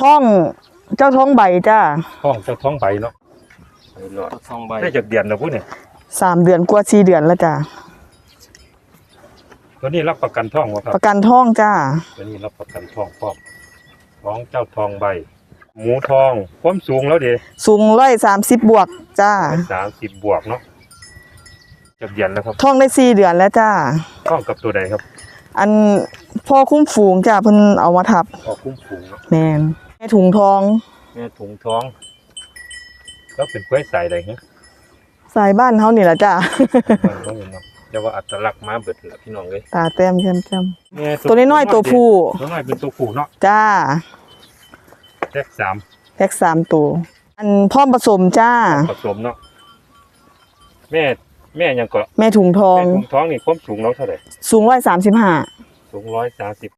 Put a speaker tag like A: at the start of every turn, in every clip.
A: ท้องเจ้าท้องใบจ้า
B: ท้องเจ้าท้องใบเนาะ
C: ไปหลอดท้องใบ
B: ได้จากเดือนแล้วพูดเนี่ย
A: 3 เดือนกว่า4 เดือนแล้วจ้า
B: ตัวนี้รับประกันท้องวะครับ
A: ประกันท้องจ้า
B: ตัวนี้รับประกันท้องพร้อมท้องเจ้าทองใบหมูทองความสูงแล้วเด้
A: สูง130บวกจ้า
B: 30บวกเนาะจากเดือนแล้วครับ
A: ท้องได้4 เดือนแล้วจ้า
B: ท้องกับตัวใดครับ
A: อันพ่อคุ้มฝูงจ้าเพิ่นเอามาทับ
B: คุ้มฝูง
A: แม่นแม่ถุงทอง
B: แม่ถุงท้องแล้วเป็นกล้วยสายใดฮะ
A: สายบ้านเฮานี่ล่ะจ้า
B: ต้องเห็นเนาะแต่ว่าอัตลักษณ์มาเบิดล่ะพี่น้องเอ้ย
A: ตาแต้มแจ่มๆตัวน้อยๆตัวผู้
B: ตัวน้อยเป็นตัวผู้เนาะ
A: จ้า
B: แพ็ค
A: 3ตัวอันพร้อมผสมจ้า
B: ผสมเนาะแม่ยังก็
A: แม่ถุงทอง
B: นี่ความสูงเราเท่าไหร่
A: สูง135
B: สูง130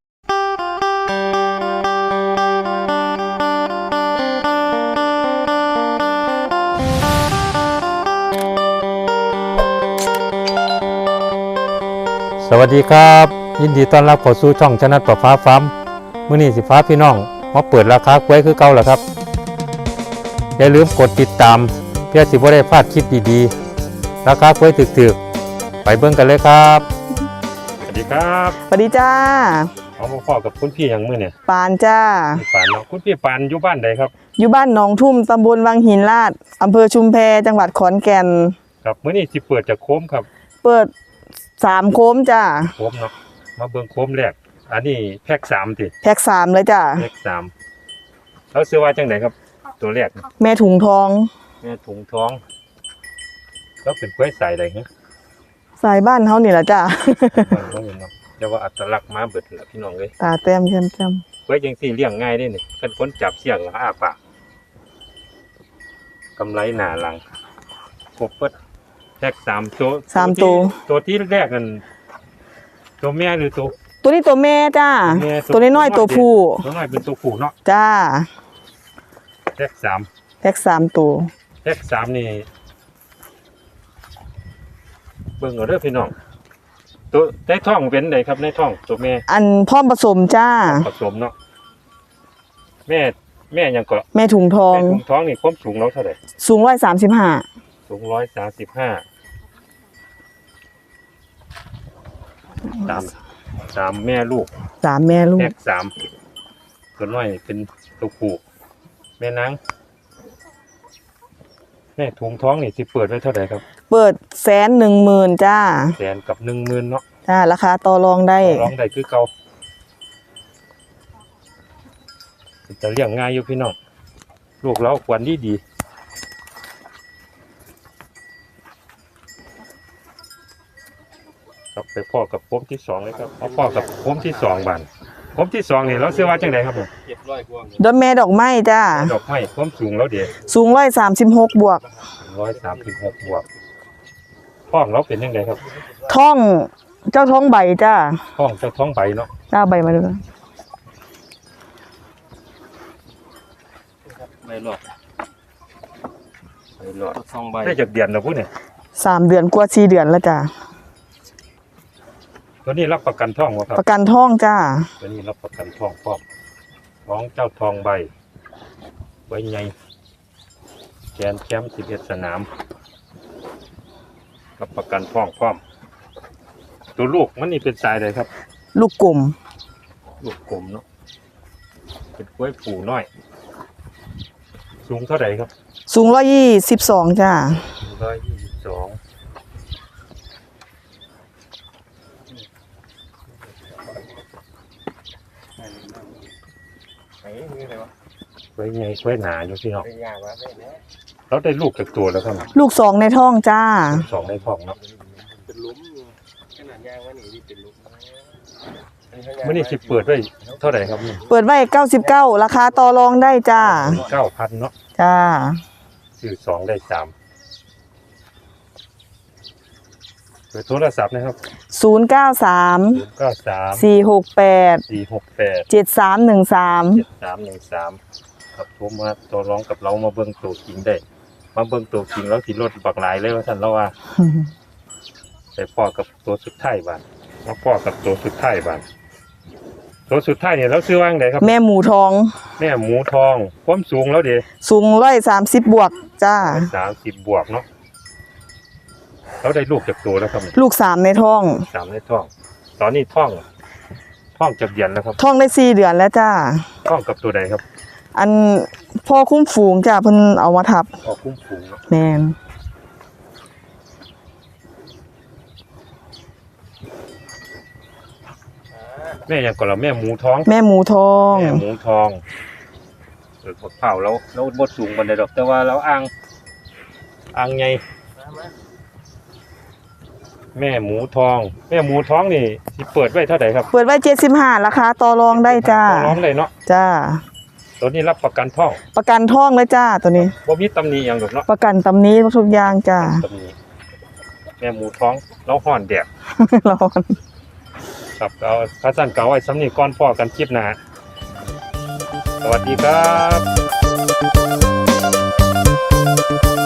B: สวัสดีครับยินดีต้อนรับเข้าสู่ช่องชนะประฟ้าฟาร์มมื้อนี้สิฟ้าพี่น้องมาเปิดราคากล้วยคือเก่าแล้วครับอย่าลืมกดติดตามเพื่อสิบ่ได้พลาดคลิปดีๆราคากล้วยถึกๆไปเบิ่งกันเลยครับสวัสดีครับ
A: สวัสดีจ้า
B: เอาพ่อกับคุณพี่อย่างมื้อเนี่ย
A: ปานจ้า
B: ปานเนาะคุณพี่ปานอยู่บ้านใดครับ
A: อยู่บ้านหนองทุ่มตำบลวังหินลาดอำเภอชุมแพจังหวัดขอนแก่น
B: ครับมื้อนี้สิเปิดจากโค้มครับ
A: เปิด3 โคมจ้า
B: โคมเนาะมาเบิ่งโคมแรกอันนี้แพ็ค3ติ
A: แพ็ค3เลยจ้า
B: แพ็ค3แล้วซื้อว่าจังได๋ครับตัวแรก
A: แม่ถุงทอง
B: แล้วเป็นกล้วยสายใดฮะ
A: สายบ้านเฮานี่ล่ะจ้า
B: ต้องเห็นเนาะแต่ว่าอัตลักษณ์มาเบิดล่ะพี่น้องเอ้ย
A: ตาแต้มแจ่ม
B: ๆกล้วยจังซี่เลี้ยงง่ายเด้นี่คันคนจับเสียงแล้วอ้าปากกำไรหน้าหลังครบเบิดแพ็ค3ตัวที่แรกกันตัวแม่หรือ
A: ตัวนี้ตัวแม่จ้าตัวน้อยๆตัวผู้
B: ตัวน้อยเป็นตัวผู้เนาะ
A: จ้า
B: แพ็ค
A: 3ตัว
B: แพ็ค3นี่เบิ่งเอาเด้อพี่น้องตัวในท้องเป็นไดครับในท้องตัวแม่
A: อันพร้อมผสมจ้า
B: ผสมเนาะแม่ยังก็
A: แม่ถุงทอง
B: นี่ความสูงเราเท่าไหร่
A: สูง135
B: สูง1353แม่ลูก
A: แพ็ค
B: 3ตัวน้อยเป็นตัวผู้แม่นางแม่ถุงท้องนี่สิเปิดไว้เท่าไหร่ครับ
A: เปิด110,000จ้า
B: 100,000กับ10,000เนาะ
A: จ้าราคาต่อรองได้
B: คือเก่าจะเลี้ยงง่ายอยู่พี่น้องลูกเราควรดีครับไปพ่อกับโคมที่2เลยครับเอาพ่อกับโคมที่2บัดโคมที่2นี่เราซื้อว่าจังได๋ครับผม
A: ดอกแม่ดอกไม้จ้า
B: ดอกไม้ความสูงแล้วเด้
A: สูง136บวก
B: 136บวกท้องเราเป็นจังไดครับ
A: ท้องเจ้าท้องใบจ้า
B: ท้องเจ้าท้องใบเนาะ
A: จ้าใบมาดู
C: ใบหลอดท้องใบ
B: ได้จากเดือนแล้วพูดเนี่ย
A: 3 เดือนกว่า4 เดือนแล้วจ้า
B: ตัวนี้รับประกันท้องวะครับ
A: ประกันท้องจ้า
B: ตัวนี้รับประกันท้องพร้อมท้องเจ้าทองใบไว้ใหญ่แกนแชมป์11 สนามรับประกันท้องพร้อมตัวลูกมันนี่เป็นสายใดครับ
A: ลูกกลม
B: เนาะเป็นกล้วยผูน้อยสูงเท่าไหร่ครับ
A: สูง122จ้า
B: 122ไว้ไงไว้หนาอยู่พี่น้องเราได้ลูกจากตัวแล้วครับ
A: ลูก2ในท้องจ้า
B: 2ในท้องเนาะ
C: เป็นลุ้มขนาดยางว่านี่เป็นลุ้ม
B: เมื่อนี้สิเปิดไว้เท่าไหร่ครับ
A: เปิดไว้99ราคาต่อรองได้จ้า
B: 9,000 เนาะ
A: จ้า
B: ซื้อ2ได้3เปิดโทรศัพท์นะครับ
A: 093 468 7313
B: ครับโทรมาต่อรองกับเรามาเบิ่งตัวจริงได้มาเบิ่งตัวจริงแล้วสิลดบักหลายเลยว่าท่านเราว่าแต่พ่อกับตัวสุดท้ายบาดมาพ่อกับตัวสุดท้ายบาดตัวสุดท้ายเนี่ยเราซื้อว่างไหนครับ
A: แม่หมูทอง
B: แม่หมูทองความสูงแล้วเด้
A: สูง130บวกจ้า
B: 30 บวกเนาะเราได้ลูกจากตัวแล้วครับ
A: ลูก3ในท้อง
B: 3ในท้อง ตอนนี้ท้องจากเดือนแล้วครับ
A: ท้องได้4เดือนแล้วจ้า
B: ท้องกับตัวใดครับ
A: อันพ่อคุ้มฝูงจ้าเพิ่นเอามาทับ
B: ออกคุ้มฝูงเนาะ
A: แม่น
B: แม่ยังก่อนเราแม่หมูท้อง
A: แม่หมูทอง
B: แม่หมูทองผักเผาเราบดสูงบันไดดอกแต่ว่าเราอ่างไงแม่หมูทองนี่ที่เปิดไว้เท่าไหร่ครับ
A: เปิดไว้75ราคาต่อรองได้จ้า
B: ร้องเลยเนาะ
A: จ้า
B: ตัวนี้รับประกันท้อง
A: ประกันท้องเลยจ้าตัวนี้
B: บ่มีตำหนิอย่างดอกเนาะ
A: ประกันตำนี้ทุกอย่างจ้า
B: ตำหนิแม่หมูท้องเราห่อนแดด
A: ร้อน
B: ครับเอาข้าสั้นเก่าไว้สำนีก่อนพ่อกันคลิปหน้าสวัสดีครับ